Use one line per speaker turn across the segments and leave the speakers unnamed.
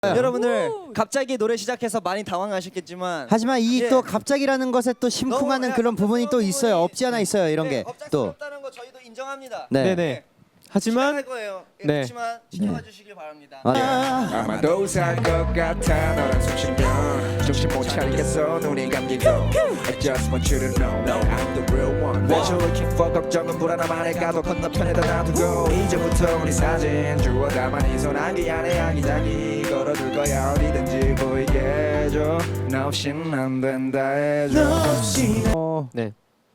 여러분들 갑자기 노래 시작해서 많이 당황하셨겠지만
하지만 이
예.
또 갑자기라는 것에 또 심쿵하는
너무
그런 부분이 또 있어요. 없지 않아 있어요. 이런
네,
게 또.
갑작스럽다는 거 저희도 인정합니다.
네.
네네. 하지만
할 거예요. 예,
네.
그렇지만 지켜봐 주시길 바랍니다.
아마도 살 것 같아 너랑 숨 쉬면 정신 못 차리겠어 눈이 감기고 I just want you to know I'm the real one 왜 저렇게 걱정은 불안함 안에 가도 건너편에다 놔두고 이제부터 우리 사진 주워 담아 네 손 안개 안에 아기자기 걸어둘 거야 어디든지 보이게 해줘 너 없인 안 된다 해줘
네.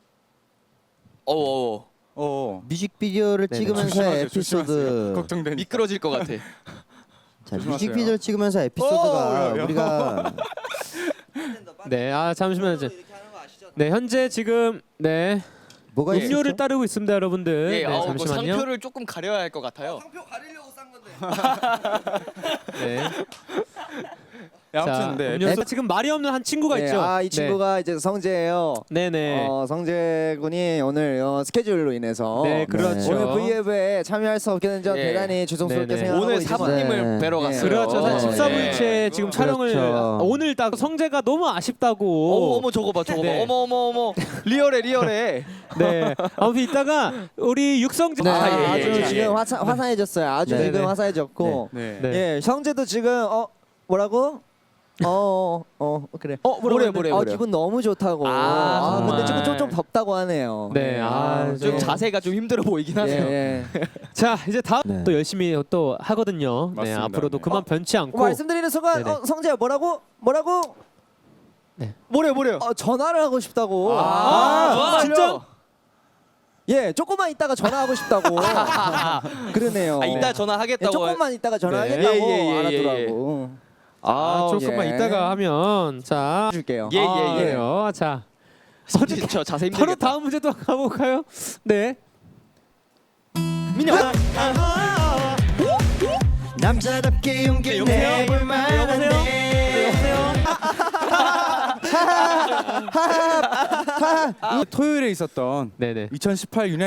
뮤직비디오를
네네.
찍으면서 에피소드.
걱정되니.
미끄러질 것 같아.
자, 뮤직비디오를 찍으면서 에피소드가 우리가
네. 아 잠시만요. 이제.
이렇게 하는 거 아시죠?
네 현재 지금 네
뭐가
음료를
있었죠?
따르고 있습니다, 여러분들.
예,
네,
뭐
잠시만요.
상표를 조금 가려야 할 것 같아요.
상표 가리려고 싼 건데.
네.
아무튼
자,
네.
음료수 지금 말이 없는 한 친구가 있죠.
이 친구가 이제 성재예요.
네. 네네.
성재 군이 오늘 스케줄로 인해서
네, 그렇죠.
오늘 V앱에 참여할 수 없게 된 점
예.
대단히 죄송스럽게
네네.
생각하고
오늘
있지만
사부님을
네.
뵈러
네.
갔어요.
그렇죠. 사실
네.
14부일체 지금 촬영을
그렇죠.
오늘 딱 성재가 너무 아쉽다고.
어머 저거 봐.
네.
어머 리얼해.
네. 아무튼 이따가 우리 육성재
네,
예,
아주
예.
지금 화사해졌어요. 아주
네,
지금
네.
화사해졌고
네.
네.
예, 성재도 지금 뭐라고? 그래.
뭐래요?
기분 너무 좋다고.
정말.
근데 지금 좀 덥다고 하네요.
네.
좀
네.
자세가 좀 힘들어 보이긴 하네요.
예.
자, 이제 다음
네.
또 열심히 또 하거든요. 네,
맞습니다.
앞으로도
네.
그만 변치 않고.
말씀드리는 순간
네네.
성재야 뭐라고?
네.
뭐래요?
전화를 하고 싶다고.
진짜?
예, 조금만 있다가 전화하고 싶다고. 그러네요.
이따
예,
전화하겠다고.
조금만 있다가
네.
전화하겠다고
예.
알았더라고.
조금만 이따가 하면 자.
줄게요.
예.
그래요. 자,
저 자세
바로
힘들겠다.
다음 문제 또 가볼까요? 네.
남자답게 용기 내볼 만한데.
토요일에 있었던
네네.
2018 유나이티드